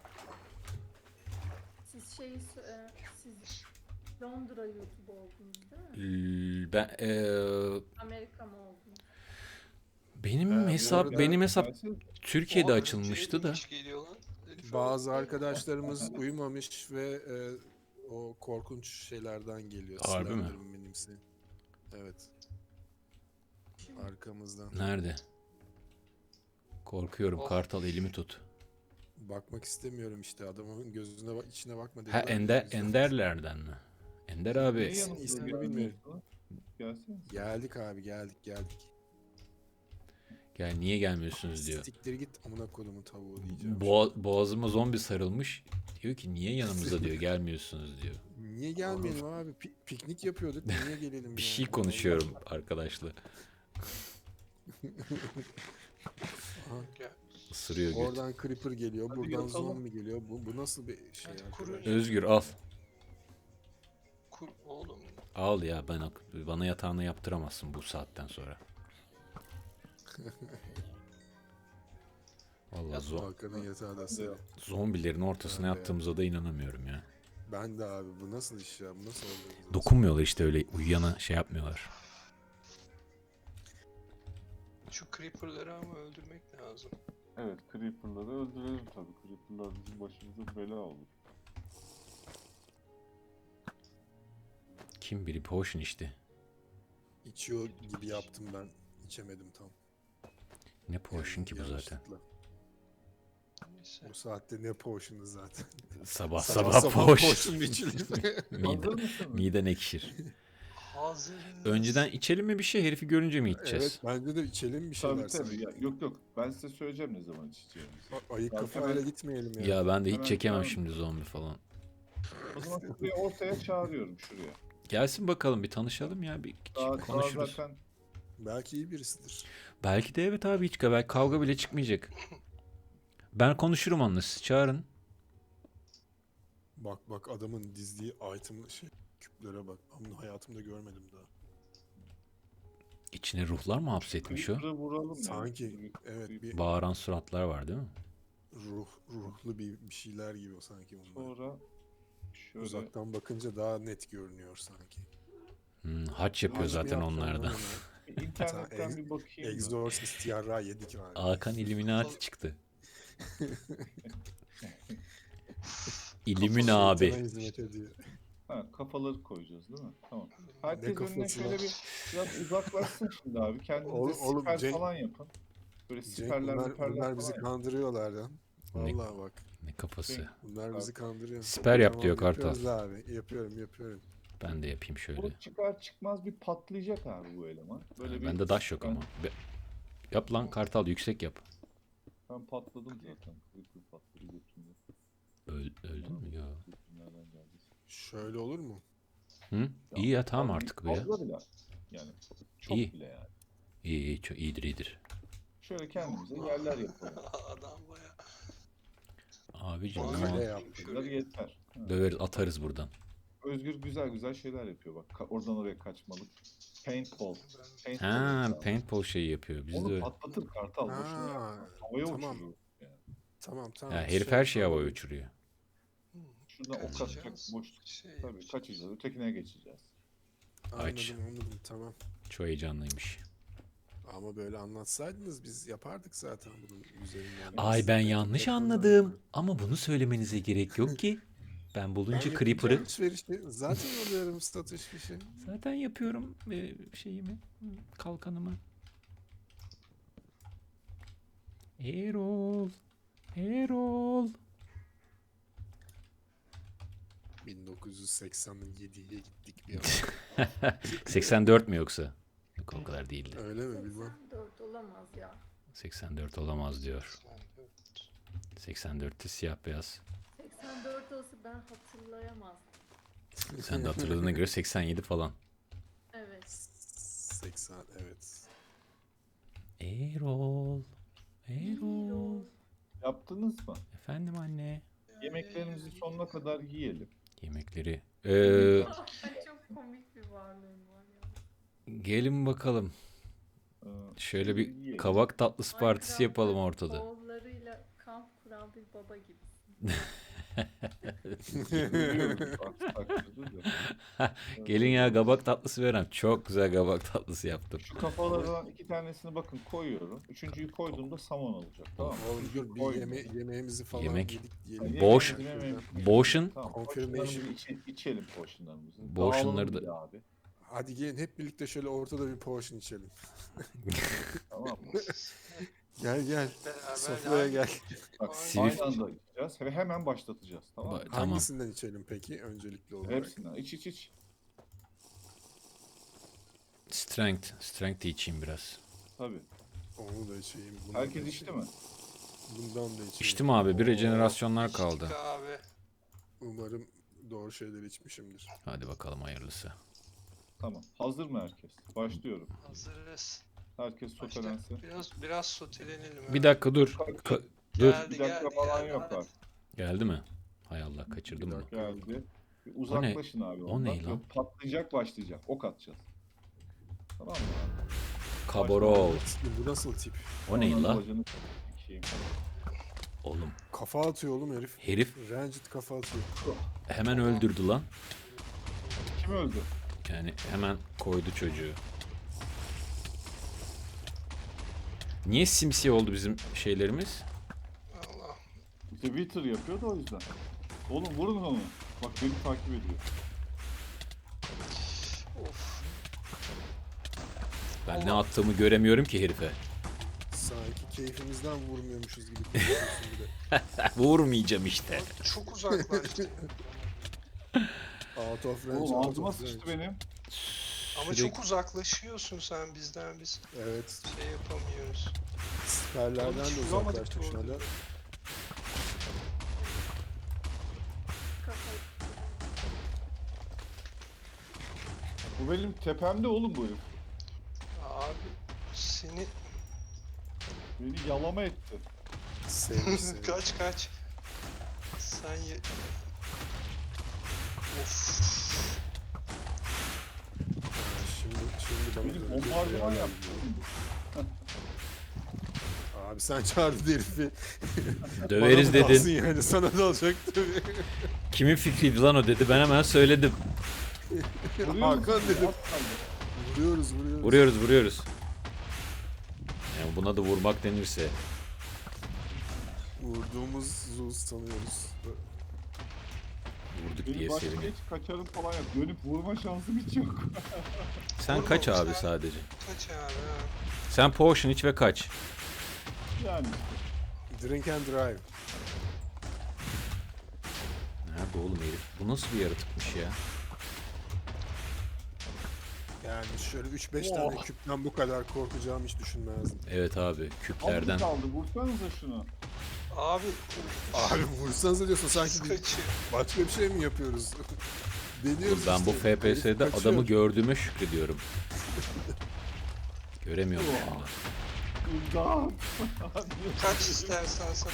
[SPEAKER 5] Siz şeyi sö- e, siz Londra YouTube oldunuz değil mi?
[SPEAKER 3] L- Ben eee,
[SPEAKER 5] Amerika mı oldunuz?
[SPEAKER 3] benim
[SPEAKER 2] Ee, bu
[SPEAKER 3] hesap
[SPEAKER 2] arada-
[SPEAKER 3] benim hesap
[SPEAKER 1] Gelsene.
[SPEAKER 3] Türkiye'de
[SPEAKER 4] Oha,
[SPEAKER 3] açılmıştı
[SPEAKER 4] Cenk
[SPEAKER 3] da.
[SPEAKER 4] hiç geliyor lan. Herif
[SPEAKER 2] Bazı arkadaşlarımız uyumamış ve e, o korkunç şeylerden geliyor.
[SPEAKER 3] Harbi mi?
[SPEAKER 2] Slenderman'imsi. Evet. Arkamızdan.
[SPEAKER 3] Nerede? Korkuyorum
[SPEAKER 4] Oh.
[SPEAKER 3] kartal elimi tut.
[SPEAKER 2] Bakmak istemiyorum işte adamın gözüne bak içine bakma
[SPEAKER 3] Ha
[SPEAKER 2] dediler.
[SPEAKER 3] Ender
[SPEAKER 2] O yüzden-
[SPEAKER 3] Enderlerden mi? Ender
[SPEAKER 1] Niye
[SPEAKER 3] abi.
[SPEAKER 1] yanımıza
[SPEAKER 2] ismini
[SPEAKER 1] gelmiyorsun
[SPEAKER 2] bilmiyorum.
[SPEAKER 1] lan? Gelsene.
[SPEAKER 2] Geldik abi geldik geldik.
[SPEAKER 3] Gel niye gelmiyorsunuz diyor.
[SPEAKER 2] Siktir git amına kodumun tavuğu diyeceğim.
[SPEAKER 3] Boğa- boğazıma zombi sarılmış. Diyor ki niye yanımıza diyor gelmiyorsunuz diyor.
[SPEAKER 2] Niye gelmeyelim abi? Pi- piknik yapıyorduk. Niye gelelim
[SPEAKER 3] Bir
[SPEAKER 2] ya?
[SPEAKER 3] şey konuşuyorum arkadaşla.
[SPEAKER 4] Gel.
[SPEAKER 3] Isırıyor göt.
[SPEAKER 2] Oradan creeper geliyor,
[SPEAKER 1] Hadi
[SPEAKER 2] buradan
[SPEAKER 1] yatalım.
[SPEAKER 2] zombi geliyor. Bu, bu nasıl bir şey
[SPEAKER 4] Hadi
[SPEAKER 2] arkadaş?
[SPEAKER 4] kurun.
[SPEAKER 3] Özgür al.
[SPEAKER 4] Kur oğlum.
[SPEAKER 3] Al ya ben bana yatağını yaptıramazsın bu saatten sonra. Vallahi zo-
[SPEAKER 2] Hakan'ın yatağı da senin.
[SPEAKER 3] zombilerin ortasına
[SPEAKER 2] Ben de
[SPEAKER 3] yattığımıza da inanamıyorum ya.
[SPEAKER 2] Ben de abi bu nasıl iş ya? Bu nasıl oluyor?
[SPEAKER 3] Dokunmuyorlar işte, öyle uyuyana şey yapmıyorlar.
[SPEAKER 4] Şu creeper'ları ama öldürmek lazım.
[SPEAKER 1] Evet, Creeper'ları öldürelim tabii. Creeper'lar bizim başımıza bela olur.
[SPEAKER 3] Kim biri potion içti.
[SPEAKER 2] İçiyor gibi yaptım ben. İçemedim tam.
[SPEAKER 3] Ne potion ki bu zaten.
[SPEAKER 2] Yanlışlıkla.
[SPEAKER 4] Neyse.
[SPEAKER 2] Bu saatte ne potion'u zaten.
[SPEAKER 3] Sabah
[SPEAKER 2] Sabah
[SPEAKER 3] sabah,
[SPEAKER 2] sabah
[SPEAKER 3] potion.
[SPEAKER 2] potion içilir.
[SPEAKER 3] Mide,
[SPEAKER 1] Hazır mısın?
[SPEAKER 3] miden ekşir.
[SPEAKER 4] Hazırız.
[SPEAKER 3] Önceden içelim mi bir şey, herifi görünce mi içeceğiz?
[SPEAKER 2] Evet bence de içelim bir şeyler
[SPEAKER 1] Tabii tabii.
[SPEAKER 2] sanki.
[SPEAKER 1] Ya, yok yok. Ben size söyleyeceğim ne zaman içeceğimizi.
[SPEAKER 2] A- Ayık
[SPEAKER 1] Ya,
[SPEAKER 2] kafayla
[SPEAKER 1] hemen-
[SPEAKER 2] gitmeyelim ya.
[SPEAKER 3] Ya ben de hiç
[SPEAKER 1] Hemen
[SPEAKER 3] çekemem
[SPEAKER 1] tamam.
[SPEAKER 3] şimdi zombi falan.
[SPEAKER 1] O zaman şuraya ortaya çağırıyorum şuraya.
[SPEAKER 3] Gelsin bakalım, bir tanışalım ya, bir
[SPEAKER 1] Daha, daha
[SPEAKER 3] konuşuruz.
[SPEAKER 1] zaten
[SPEAKER 2] Belki iyi birisidir.
[SPEAKER 3] Belki de evet abi, hiç belki kavga bile çıkmayacak. Ben konuşurum onunla, siz çağırın.
[SPEAKER 2] Bak bak adamın dizdiği item şey küplere bak. Ben bunu hayatımda görmedim daha.
[SPEAKER 3] İçine ruhlar mı hapsetmiş o?
[SPEAKER 1] Creeper'ı vuralım ya.
[SPEAKER 2] Sanki evet bir
[SPEAKER 3] Bağıran suratlar var değil mi?
[SPEAKER 2] ruh ruhlu bir, bir şeyler gibi o sanki bunlar.
[SPEAKER 1] Sonra şöyle
[SPEAKER 2] Uzaktan bakınca daha net görünüyor sanki.
[SPEAKER 3] Hmm, haç yapıyor
[SPEAKER 2] Haç mı
[SPEAKER 3] zaten
[SPEAKER 2] yaptı
[SPEAKER 3] onlarda.
[SPEAKER 2] onu?
[SPEAKER 1] bir internetten
[SPEAKER 2] Ex-
[SPEAKER 1] bir bakayım. da.
[SPEAKER 2] Exorcist yarra yedik abi.
[SPEAKER 3] Hakan Illuminati çıktı. Illumina
[SPEAKER 2] Şeytana
[SPEAKER 3] abi.
[SPEAKER 2] hizmet ediyor.
[SPEAKER 1] Ha, kafaları koyacağız değil mi? Tamam.
[SPEAKER 2] Ne
[SPEAKER 1] Herkes önüne
[SPEAKER 2] kafası
[SPEAKER 1] şöyle
[SPEAKER 2] lan?
[SPEAKER 1] bir biraz uzaklaşsın şimdi abi. Kendinize
[SPEAKER 2] Oğlum- oğlum,
[SPEAKER 1] siper
[SPEAKER 2] Cenk-
[SPEAKER 1] falan yapın. Böyle
[SPEAKER 2] Cenk
[SPEAKER 1] siperler
[SPEAKER 2] bunlar,
[SPEAKER 1] miperler
[SPEAKER 2] bunlar bizi
[SPEAKER 1] falan yapın.
[SPEAKER 2] kandırıyorlar lan.
[SPEAKER 3] Ne-
[SPEAKER 2] Vallahi bak.
[SPEAKER 3] Ne kafası.
[SPEAKER 2] Bunlar bizi kandırıyor.
[SPEAKER 3] Siper yap diyor
[SPEAKER 2] yapıyoruz
[SPEAKER 3] Kartal.
[SPEAKER 2] abi. Yapıyorum yapıyorum.
[SPEAKER 3] Ben de yapayım şöyle.
[SPEAKER 1] Bu çıkar çıkmaz bir patlayacak abi bu eleman. Böyle bir
[SPEAKER 3] Bende daş yok
[SPEAKER 1] ben-
[SPEAKER 3] ama. Be- Yap lan Kartal, yüksek yap.
[SPEAKER 1] Ben patladım zaten. Creeper patladı götümde.
[SPEAKER 3] Öl, öldün mü ya?
[SPEAKER 1] Nereden geldi?
[SPEAKER 2] Şöyle olur mu?
[SPEAKER 3] Hı? İyi ya, tamam artık bu ya.
[SPEAKER 1] Fazla bile. Yani çok
[SPEAKER 3] İyi.
[SPEAKER 1] bile yani.
[SPEAKER 3] İyi iyi, çok iyidir iyidir.
[SPEAKER 1] Şöyle kendimize yerler yapalım.
[SPEAKER 4] Adam baya.
[SPEAKER 3] Abicim
[SPEAKER 4] Öyle
[SPEAKER 3] tamam.
[SPEAKER 2] Öyle yap.
[SPEAKER 1] Bunlar yeter. Ha.
[SPEAKER 3] Döveriz, atarız buradan.
[SPEAKER 1] Özgür güzel güzel şeyler yapıyor bak. Ka- Oradan oraya kaçmalık. Paintball. Paintball
[SPEAKER 3] Ha,
[SPEAKER 1] yapıyor.
[SPEAKER 3] paintball şeyi yapıyor. Biz de
[SPEAKER 1] Onu
[SPEAKER 3] öyle.
[SPEAKER 1] patlatır kartal. Boşuna
[SPEAKER 2] Ha,
[SPEAKER 1] yapma. Havaya
[SPEAKER 2] tamam.
[SPEAKER 1] uçuruyor. Yani.
[SPEAKER 2] Tamam tamam.
[SPEAKER 3] Ya herif
[SPEAKER 2] Şey
[SPEAKER 3] her şeyi havaya
[SPEAKER 2] yapalım.
[SPEAKER 3] uçuruyor.
[SPEAKER 1] Şuradan ok atacak
[SPEAKER 4] Kaçacağız.
[SPEAKER 1] boşluk.
[SPEAKER 4] Şey
[SPEAKER 1] Tabii
[SPEAKER 4] yapacağız.
[SPEAKER 1] kaçacağız. Ötekine geçeceğiz.
[SPEAKER 3] Aç.
[SPEAKER 2] Anladım anladım tamam.
[SPEAKER 3] Çok heyecanlıymış.
[SPEAKER 2] Ama böyle anlatsaydınız biz yapardık zaten bunun üzerinden.
[SPEAKER 3] Ay ben yanlış anladım. Ama bunu söylemenize gerek yok ki. Ben bulunca Creeper'ı
[SPEAKER 2] Alışverişi zaten alıyorum satış fişi.
[SPEAKER 3] zaten yapıyorum e, şeyimi, kalkanımı. Erol. Erol.
[SPEAKER 2] bin dokuz yüz seksen yediye gittik bir an.
[SPEAKER 3] seksen dört mü yoksa? Yok, o kadar değildi.
[SPEAKER 2] Öyle mi bilmem.
[SPEAKER 5] seksen dört olamaz ya.
[SPEAKER 3] seksen dört olamaz diyor. seksen dörtte siyah beyaz.
[SPEAKER 5] seksen dört olsa ben hatırlayamazdım.
[SPEAKER 3] Sen de hatırladığına göre seksen yedi falan.
[SPEAKER 5] Evet.
[SPEAKER 2] seksen evet.
[SPEAKER 3] Erol. Erol.
[SPEAKER 1] Yaptınız mı?
[SPEAKER 3] Efendim anne.
[SPEAKER 1] Yemeklerimizi sonuna kadar yiyelim.
[SPEAKER 3] Yemekleri. Ee,
[SPEAKER 5] Ay, çok komik bir varlığım var ya.
[SPEAKER 3] gelin bakalım.
[SPEAKER 1] Ee,
[SPEAKER 3] Şöyle bir
[SPEAKER 1] yiyelim.
[SPEAKER 3] kabak tatlısı partisi
[SPEAKER 5] Minecraft'ta
[SPEAKER 3] yapalım ortada.
[SPEAKER 5] Oğullarıyla kamp kuran bir baba gibisin.
[SPEAKER 1] Biliyoruz, bak, takdirde de.
[SPEAKER 3] Gelin ya, kabak tatlısı veren. Çok güzel kabak tatlısı yaptım.
[SPEAKER 1] Şu kafalardan iki tanesini bakın koyuyorum. Üçüncüyü koyduğumda samon olacak. Tamam mı?
[SPEAKER 2] Oğlum dur bir
[SPEAKER 1] Koy.
[SPEAKER 2] yeme yemeğimizi falan
[SPEAKER 3] Yemek.
[SPEAKER 2] yedik
[SPEAKER 1] Yani
[SPEAKER 2] diyelim.
[SPEAKER 3] Boş-
[SPEAKER 1] yemeğimizi, yemeğimizi-
[SPEAKER 3] Boşun.
[SPEAKER 1] Tamam,
[SPEAKER 2] Confirmation.
[SPEAKER 1] potionlarımızı içe- içelim potionlarımızı.
[SPEAKER 3] Boşunları
[SPEAKER 1] Dağılalım
[SPEAKER 3] da-
[SPEAKER 1] bir de abi.
[SPEAKER 2] Hadi gelin hep birlikte şöyle ortada bir potion içelim.
[SPEAKER 1] Tamam mı?
[SPEAKER 2] Gel gel.
[SPEAKER 4] Beraber
[SPEAKER 2] Sofraya
[SPEAKER 4] abi.
[SPEAKER 2] gel.
[SPEAKER 1] Bak
[SPEAKER 3] Sivil-
[SPEAKER 1] aynı anda içeceğiz ve hemen başlatacağız. Tamam mı?
[SPEAKER 3] Ba- Tamam.
[SPEAKER 2] Hangisinden içelim peki öncelikli olarak?
[SPEAKER 1] Hepsinden. İç iç iç.
[SPEAKER 3] Strength. Strength de içeyim biraz.
[SPEAKER 1] Tabii.
[SPEAKER 2] Onu da içeyim. Bundan
[SPEAKER 1] Herkes
[SPEAKER 2] da
[SPEAKER 1] içti
[SPEAKER 2] içeyim.
[SPEAKER 1] mi?
[SPEAKER 2] Bundan da içeyim.
[SPEAKER 3] İçtim abi. Bir rejenerasyonlar kaldı.
[SPEAKER 4] İçtik abi.
[SPEAKER 2] Umarım doğru şeyler içmişimdir.
[SPEAKER 3] Hadi bakalım hayırlısı.
[SPEAKER 1] Tamam. Hazır mı herkes? Başlıyorum.
[SPEAKER 4] Hazırız.
[SPEAKER 1] Herkes
[SPEAKER 4] Başla.
[SPEAKER 1] sotelendi.
[SPEAKER 4] Biraz biraz sotelenelim.
[SPEAKER 3] Bir
[SPEAKER 4] abi.
[SPEAKER 3] dakika dur. Ka- dur.
[SPEAKER 4] Geldi
[SPEAKER 1] Bir dakika
[SPEAKER 4] geldi
[SPEAKER 1] falan
[SPEAKER 4] geldi.
[SPEAKER 1] yok
[SPEAKER 4] hadi.
[SPEAKER 1] bak.
[SPEAKER 3] Geldi mi? Hay Allah, kaçırdım
[SPEAKER 2] Bir
[SPEAKER 3] mı?
[SPEAKER 2] dakika.
[SPEAKER 1] Geldi. Bir uzaklaşın abi.
[SPEAKER 3] o
[SPEAKER 1] ondan.
[SPEAKER 3] ne lan?
[SPEAKER 1] Yok, patlayacak başlayacak. Ok atacağız. Tamam mı?
[SPEAKER 3] Kaborol.
[SPEAKER 2] Bu nasıl tip?
[SPEAKER 3] O ne
[SPEAKER 1] Ondan
[SPEAKER 3] la?
[SPEAKER 1] bacını sikeyim.
[SPEAKER 3] Oğlum
[SPEAKER 2] Kafa atıyor oğlum herif.
[SPEAKER 3] herif
[SPEAKER 2] Ranged kafa atıyor.
[SPEAKER 3] hemen öldürdü lan.
[SPEAKER 1] Kim öldü?
[SPEAKER 3] Yani hemen koydu çocuğu. Niye simsiyah oldu bizim şeylerimiz?
[SPEAKER 4] Allah.
[SPEAKER 1] İşte Wither yapıyor da o yüzden. Oğlum vurun onu. Bak beni takip ediyor.
[SPEAKER 4] Of.
[SPEAKER 3] Ben ne attığımı göremiyorum ki herife.
[SPEAKER 2] Sanki keyfimizden vurmuyormuşuz gibi konuşuyorsun bir de.
[SPEAKER 3] Vurmayacağım işte.
[SPEAKER 4] Abi çok uzaklaştı.
[SPEAKER 2] Out of range,
[SPEAKER 1] Oğlum
[SPEAKER 2] out
[SPEAKER 1] ağzıma
[SPEAKER 2] of
[SPEAKER 1] sıçtı
[SPEAKER 2] range.
[SPEAKER 1] benim.
[SPEAKER 4] Ama
[SPEAKER 3] Sürekli-
[SPEAKER 4] çok uzaklaşıyorsun sen bizden, biz
[SPEAKER 2] Evet.
[SPEAKER 4] şey yapamıyoruz.
[SPEAKER 2] Siperlerden
[SPEAKER 4] Hiç
[SPEAKER 2] de
[SPEAKER 4] vuramadık
[SPEAKER 2] uzaklaştık şu
[SPEAKER 4] doğru
[SPEAKER 2] anda.
[SPEAKER 4] düzgün.
[SPEAKER 5] Kafayı.
[SPEAKER 1] Bu benim tepemde oğlum bu herif.
[SPEAKER 4] Abi seni
[SPEAKER 1] Beni yalama etti.
[SPEAKER 2] Sevmiş seni.
[SPEAKER 4] kaç kaç. Sen ye... Of.
[SPEAKER 2] Ha, Şimdi, şimdi bana
[SPEAKER 1] Beni
[SPEAKER 2] dönecek
[SPEAKER 1] bombardıman
[SPEAKER 2] bir
[SPEAKER 1] yaptı.
[SPEAKER 2] yer Abi sen çağırdın herifi.
[SPEAKER 3] Döveriz
[SPEAKER 2] Bana mı kalsın
[SPEAKER 3] dedin.
[SPEAKER 2] yani sana da olacak tabii.
[SPEAKER 3] Kimin fikriydi lan o dedi. Ben hemen söyledim.
[SPEAKER 1] Vuruyor
[SPEAKER 2] Hakan
[SPEAKER 1] musun?
[SPEAKER 2] dedim.
[SPEAKER 1] Az kaldı.
[SPEAKER 2] Vuruyoruz vuruyoruz.
[SPEAKER 3] Vuruyoruz vuruyoruz. Yani buna da vurmak denirse.
[SPEAKER 2] Vurduğumuzu sanıyoruz.
[SPEAKER 3] Vurduk
[SPEAKER 1] Benim
[SPEAKER 3] diye
[SPEAKER 1] başka
[SPEAKER 3] seviniyorum.
[SPEAKER 1] hiç kaçarım falan yok. Dönüp vurma şansım hiç yok.
[SPEAKER 3] Sen kaç abi sadece.
[SPEAKER 4] Kaç abi ha.
[SPEAKER 3] Sen potion iç ve kaç.
[SPEAKER 1] Yani
[SPEAKER 2] Drink and drive.
[SPEAKER 3] Nerede oğlum herif? Bu nasıl bir yaratıkmış ya?
[SPEAKER 2] Yani şöyle üç beş
[SPEAKER 1] Oh.
[SPEAKER 2] tane küpten bu kadar korkacağımı hiç düşünmezdim.
[SPEAKER 3] Evet abi
[SPEAKER 1] az
[SPEAKER 3] küplerden.
[SPEAKER 1] kaldı. Vursanıza şunu.
[SPEAKER 4] Abi
[SPEAKER 2] Abi vursanıza diyorsun sanki
[SPEAKER 4] biz
[SPEAKER 2] bir-
[SPEAKER 4] kaçıyor.
[SPEAKER 2] başka bir şey mi yapıyoruz? Deniyoruz
[SPEAKER 3] Ben bu
[SPEAKER 2] işte.
[SPEAKER 3] F P S'de
[SPEAKER 2] Herif kaçıyor.
[SPEAKER 3] adamı gördüğüme şükrediyorum. Göremiyorum şu anda.
[SPEAKER 1] İmdat.
[SPEAKER 4] Kaç istersen sen.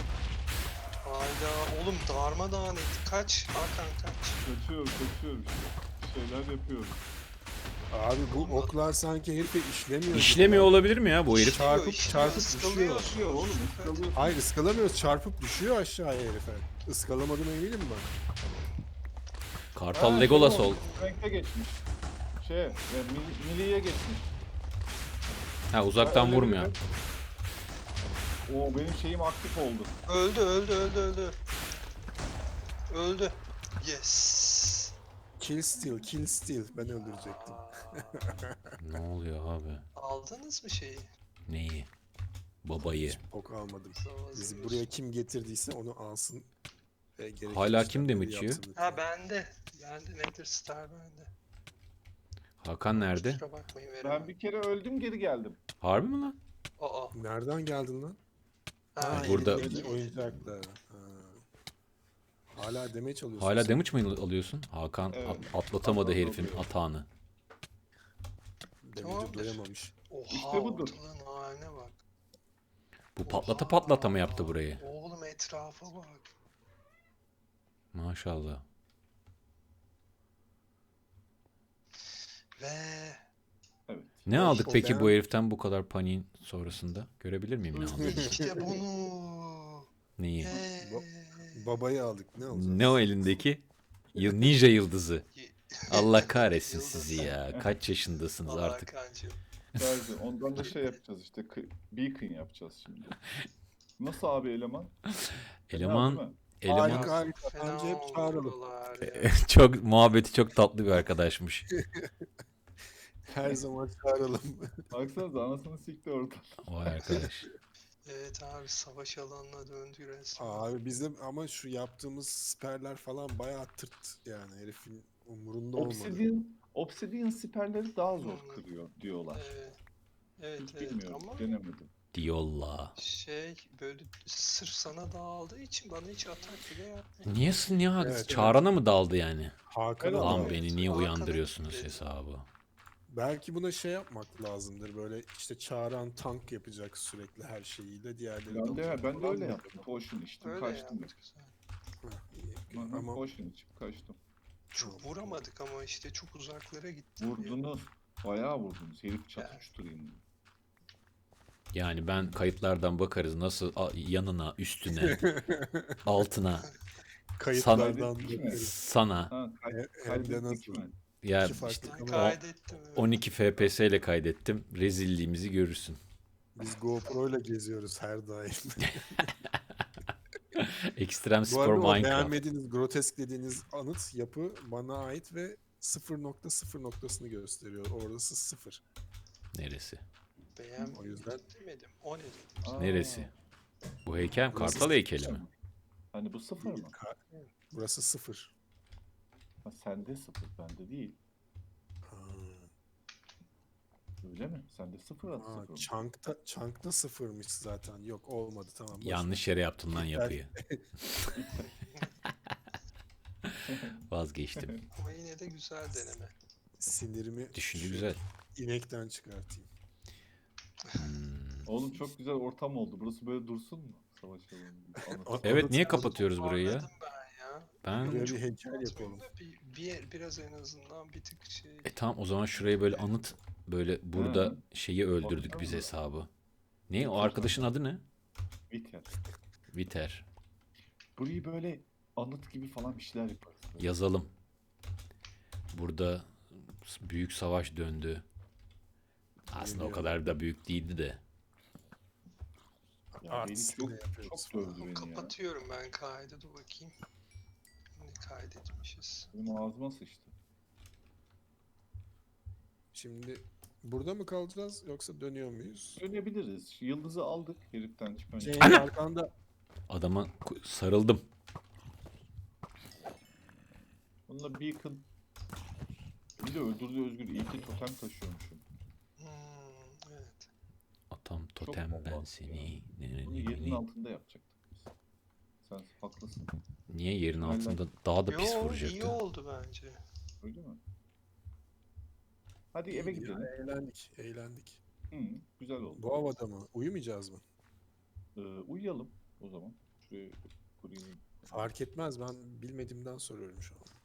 [SPEAKER 4] Hayda oğlum darmadağın etti. Kaç Hakan kaç.
[SPEAKER 1] Kaçıyorum kaçıyorum işte. Bir şeyler yapıyorum.
[SPEAKER 2] Abi bu oklar sanki herife işlemiyor.
[SPEAKER 3] İşlemiyor olabilir mi ya bu herif?
[SPEAKER 4] İşliyor,
[SPEAKER 2] Çarpıp-
[SPEAKER 4] işliyor,
[SPEAKER 2] çarpıp
[SPEAKER 4] ıskalıyor.
[SPEAKER 2] düşüyor.
[SPEAKER 1] Kaçıyor oğlum. ıskalıyor.
[SPEAKER 2] Hayır ıskalamıyoruz çarpıp düşüyor aşağıya herife. Iskalamadım eminim ben.
[SPEAKER 3] Kartal
[SPEAKER 1] Ha,
[SPEAKER 3] Legolas
[SPEAKER 1] şey
[SPEAKER 3] ol.
[SPEAKER 1] olmuş, Renkte geçmiş. Şey, e, mili, miliye geçmiş.
[SPEAKER 3] Ha uzaktan
[SPEAKER 1] Öyle
[SPEAKER 3] vurmuyor.
[SPEAKER 1] bir- Oo benim şeyim aktif oldu.
[SPEAKER 4] Öldü öldü öldü öldü. Öldü. Yes.
[SPEAKER 2] Kill steal, kill steal. Ben öldürecektim.
[SPEAKER 3] Ne oluyor abi?
[SPEAKER 4] Aldınız mı şeyi?
[SPEAKER 3] Neyi? Babayı.
[SPEAKER 2] Ok almadım.
[SPEAKER 4] Zavazı
[SPEAKER 2] Bizi
[SPEAKER 4] diyorsun.
[SPEAKER 2] buraya kim getirdiyse onu alsın. Ve gerekli
[SPEAKER 3] Hala kim
[SPEAKER 2] işlemleri
[SPEAKER 3] damage yiyor?
[SPEAKER 2] yapsın lütfen.
[SPEAKER 4] Ha bende. Bende Nether Star bende.
[SPEAKER 3] Hakan nerede?
[SPEAKER 4] Kusura bakmayın veremem.
[SPEAKER 1] Ben bir kere öldüm geri geldim.
[SPEAKER 3] Harbi mi lan?
[SPEAKER 4] Aa.
[SPEAKER 2] Nereden geldin lan?
[SPEAKER 4] Ha,
[SPEAKER 3] burada-
[SPEAKER 4] elimdeki-
[SPEAKER 2] Oyuncak- Oyuncakla. Ha. Hala damage alıyorsun.
[SPEAKER 3] Hala
[SPEAKER 2] sen.
[SPEAKER 3] damage mi alıyorsun? Hakan
[SPEAKER 1] Evet.
[SPEAKER 3] at- atlatamadı
[SPEAKER 1] Hakan
[SPEAKER 3] herifin
[SPEAKER 1] alıyor.
[SPEAKER 3] atağını.
[SPEAKER 2] Damage'e
[SPEAKER 4] Tamamdır.
[SPEAKER 2] doyamamış.
[SPEAKER 4] Oha
[SPEAKER 1] İşte budur.
[SPEAKER 4] ortalığın haline bak.
[SPEAKER 3] Bu patlata
[SPEAKER 4] Oha.
[SPEAKER 3] patlata mı yaptı burayı?
[SPEAKER 4] Oğlum etrafa bak.
[SPEAKER 3] Maşallah.
[SPEAKER 4] Ve
[SPEAKER 1] Evet.
[SPEAKER 3] Ne aldık
[SPEAKER 2] o
[SPEAKER 3] peki
[SPEAKER 2] ben-
[SPEAKER 3] bu heriften bu kadar paniğin sonrasında? Görebilir miyim ne aldığını?
[SPEAKER 4] işte bunu.
[SPEAKER 3] Neyi?
[SPEAKER 4] Ve...
[SPEAKER 2] Babayı aldık. Ne alacağız?
[SPEAKER 3] Ne o elindeki? Yıl ninja yıldızı. Allah kahretsin
[SPEAKER 4] Yıldız.
[SPEAKER 3] sizi ya. Kaç yaşındasınız
[SPEAKER 4] Allah
[SPEAKER 3] artık?
[SPEAKER 4] kancım.
[SPEAKER 1] Sadece ondan da şey yapacağız işte. kı- Beacon yapacağız şimdi. Nasıl abi eleman? Fena
[SPEAKER 3] Eleman
[SPEAKER 1] değil mi?
[SPEAKER 3] eleman
[SPEAKER 2] Harika harika.
[SPEAKER 4] Fena
[SPEAKER 2] Bence hep
[SPEAKER 4] oldu
[SPEAKER 2] çağıralım.
[SPEAKER 4] buralar ya.
[SPEAKER 3] çok muhabbeti çok tatlı bir arkadaşmış.
[SPEAKER 2] Her zaman çağıralım.
[SPEAKER 1] Baksanıza anasını sikti orada.
[SPEAKER 3] Vay arkadaş.
[SPEAKER 4] Evet abi savaş alanına döndü resmen.
[SPEAKER 2] Abi bizim ama şu yaptığımız siperler falan bayağı tırt yani herifin umurunda olmadı.
[SPEAKER 1] Obsidian, Obsidian siperleri daha zor
[SPEAKER 4] Hmm.
[SPEAKER 1] kırıyor diyorlar.
[SPEAKER 4] Evet. Evet
[SPEAKER 1] Hiç
[SPEAKER 4] evet
[SPEAKER 1] bilmiyorum,
[SPEAKER 4] ama
[SPEAKER 1] denemedim.
[SPEAKER 3] Diyolla.
[SPEAKER 4] şey böyle sırf sana dağıldığı için bana hiç atak bile yapmıyor.
[SPEAKER 3] Niye niye hak-
[SPEAKER 2] Evet, evet.
[SPEAKER 3] çağrana mı daldı yani?
[SPEAKER 2] Hakan
[SPEAKER 1] Evet,
[SPEAKER 3] Lan
[SPEAKER 2] abi,
[SPEAKER 3] beni niye
[SPEAKER 4] Hakan'ın
[SPEAKER 3] uyandırıyorsunuz
[SPEAKER 4] dedi.
[SPEAKER 3] hesabı?
[SPEAKER 2] belki buna şey yapmak lazımdır böyle işte çağıran tank yapacak sürekli her şeyiyle diğerleri
[SPEAKER 1] Ben de,
[SPEAKER 2] dalacak
[SPEAKER 1] ben de
[SPEAKER 2] falan
[SPEAKER 1] öyle
[SPEAKER 2] mı?
[SPEAKER 1] yaptım. Potion içtim,
[SPEAKER 4] Öyle
[SPEAKER 1] kaçtım.
[SPEAKER 4] yaptık güzel.
[SPEAKER 2] Ha, iyi.
[SPEAKER 1] Hı hı,
[SPEAKER 2] Ama
[SPEAKER 1] Potion içip kaçtım.
[SPEAKER 4] Çok vuramadık ama işte çok uzaklara gitti.
[SPEAKER 1] Vurdunuz. Bayağı vurdunuz. Herif
[SPEAKER 4] Ya.
[SPEAKER 1] çatıştırayım.
[SPEAKER 3] Yani ben kayıtlardan bakarız nasıl a- yanına, üstüne, altına,
[SPEAKER 2] Kayıtlardan
[SPEAKER 1] Kaydettik mi?
[SPEAKER 2] bakarız.
[SPEAKER 3] sana.
[SPEAKER 1] Ha, kay-
[SPEAKER 2] He- Hem de
[SPEAKER 1] kaydettik
[SPEAKER 2] nasıl?
[SPEAKER 1] mi?
[SPEAKER 3] Ya
[SPEAKER 2] İki farklı
[SPEAKER 3] işte
[SPEAKER 4] Ben
[SPEAKER 2] kamera.
[SPEAKER 4] kaydettim. evet.
[SPEAKER 3] on iki F P S ile kaydettim. Rezilliğimizi görürsün.
[SPEAKER 2] Biz GoPro ile geziyoruz her daim.
[SPEAKER 3] Extreme
[SPEAKER 2] Bu
[SPEAKER 3] Spor
[SPEAKER 2] arada o
[SPEAKER 3] Minecraft.
[SPEAKER 2] beğenmediğiniz, grotesk dediğiniz anıt yapı bana ait ve sıfır nokta sıfır noktasını gösteriyor. Orası sıfır.
[SPEAKER 3] Neresi?
[SPEAKER 4] Beğenmedim
[SPEAKER 2] O yüzden-
[SPEAKER 4] demedim. O ne dedim?
[SPEAKER 1] Aa,
[SPEAKER 3] Neresi? Bu heykel mi?
[SPEAKER 2] Burası
[SPEAKER 3] Kartal heykeli
[SPEAKER 1] sıfır
[SPEAKER 3] mi?
[SPEAKER 1] mı? Hani bu sıfır mı?
[SPEAKER 2] Ka- Burası sıfır.
[SPEAKER 1] Ha, sende sıfır, bende değil.
[SPEAKER 2] Ha,
[SPEAKER 1] Öyle mi? Sende sıfır at
[SPEAKER 2] ha,
[SPEAKER 1] sıfır mı?
[SPEAKER 2] Chunk'ta, Chunk'ta sıfırmış zaten. Yok olmadı tamam. boş ver.
[SPEAKER 3] Yanlış yere yaptın lan
[SPEAKER 2] Heykel.
[SPEAKER 3] yapıyı. Vazgeçtim.
[SPEAKER 4] Ama yine de güzel deneme.
[SPEAKER 2] Sinirimi
[SPEAKER 3] Düşünce
[SPEAKER 2] şu
[SPEAKER 3] güzel.
[SPEAKER 2] inekten çıkartayım.
[SPEAKER 3] Hmm.
[SPEAKER 1] Oğlum çok güzel ortam oldu. Burası böyle dursun mu? Savaş alanı. Anıt.
[SPEAKER 3] Evet, niye
[SPEAKER 2] Anıt-
[SPEAKER 3] kapatıyoruz burayı ya?
[SPEAKER 4] Anladım ben ya.
[SPEAKER 3] Ben
[SPEAKER 2] Buraya bir
[SPEAKER 4] Çok
[SPEAKER 2] heykel
[SPEAKER 4] anlatmayayım
[SPEAKER 2] yapalım.
[SPEAKER 4] da Bir, bir, biraz en azından bir tık şey.
[SPEAKER 3] e tamam o zaman şurayı böyle anıt böyle burada
[SPEAKER 1] Hı.
[SPEAKER 3] şeyi öldürdük
[SPEAKER 1] Baksana
[SPEAKER 3] biz
[SPEAKER 1] da.
[SPEAKER 3] hesabı. Ne o arkadaşın adı ne?
[SPEAKER 1] Biter.
[SPEAKER 3] Viter.
[SPEAKER 1] Burayı böyle anıt gibi falan bir şeyler yaparız. Böyle.
[SPEAKER 3] Yazalım. Burada büyük savaş döndü. Aslında o
[SPEAKER 2] Biliyorum.
[SPEAKER 3] kadar da büyük değildi de.
[SPEAKER 1] Ya beni
[SPEAKER 2] Artistliğini
[SPEAKER 1] çok,
[SPEAKER 2] yapıyoruz
[SPEAKER 1] çok dövdü beni ya.
[SPEAKER 4] Kapatıyorum ben kaydı. Dur bakayım. Ne kaydetmişiz?
[SPEAKER 1] Benim ağzıma sıçtı.
[SPEAKER 2] Şimdi burada mı kalacağız yoksa dönüyor muyuz?
[SPEAKER 1] Dönebiliriz. Yıldızı aldık heriften çıkınca.
[SPEAKER 2] Cenk arkanda.
[SPEAKER 3] Adama ku- sarıldım.
[SPEAKER 1] Bununla Beacon bir de öldürdü Özgür. İyi ki totem taşıyormuşum.
[SPEAKER 4] Hmm, evet.
[SPEAKER 3] Atam totem
[SPEAKER 1] bomba
[SPEAKER 3] ben
[SPEAKER 1] attı
[SPEAKER 3] seni. Ne, ne,
[SPEAKER 1] Bunu
[SPEAKER 3] ne,
[SPEAKER 1] yerin
[SPEAKER 3] ne.
[SPEAKER 1] altında yapacaktık biz. Sen haklısın.
[SPEAKER 3] Niye yerin
[SPEAKER 1] Aynen.
[SPEAKER 3] altında daha da pis
[SPEAKER 4] Yo, iyi
[SPEAKER 3] vuracaktı?
[SPEAKER 4] oldu bence.
[SPEAKER 1] Öyle mi? Hadi eve
[SPEAKER 2] Ya,
[SPEAKER 1] gidelim.
[SPEAKER 2] eğlendik, eğlendik.
[SPEAKER 1] Hı, güzel oldu.
[SPEAKER 2] Bu havada mı? Uyumayacağız mı?
[SPEAKER 1] Ee, uyuyalım o zaman. Şuraya kurayım.
[SPEAKER 2] Fark etmez, ben bilmediğimden soruyorum şu an.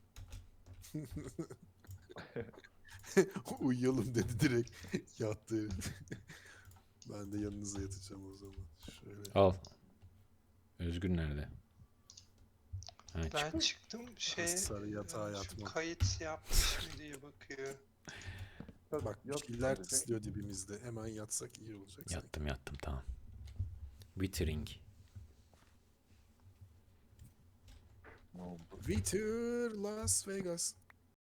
[SPEAKER 2] Uyuyalım dedi direkt yattı herif. Ben de yanınıza yatacağım o zaman. Şöyle.
[SPEAKER 3] Al. Özgür nerede? Ha,
[SPEAKER 4] Ben
[SPEAKER 3] çık.
[SPEAKER 4] çıktım şey.
[SPEAKER 2] Sarı yatağa
[SPEAKER 4] e, şu
[SPEAKER 2] yatmam.
[SPEAKER 4] kayıt yapmış mı diye bakıyor.
[SPEAKER 2] Bak
[SPEAKER 1] Yat
[SPEAKER 2] killer
[SPEAKER 1] sadece.
[SPEAKER 2] tıslıyor dibimizde. Hemen yatsak iyi olacak. sanki.
[SPEAKER 3] Yattım yattım tamam. Withering.
[SPEAKER 1] Ne oldu?
[SPEAKER 2] Winter Las Vegas.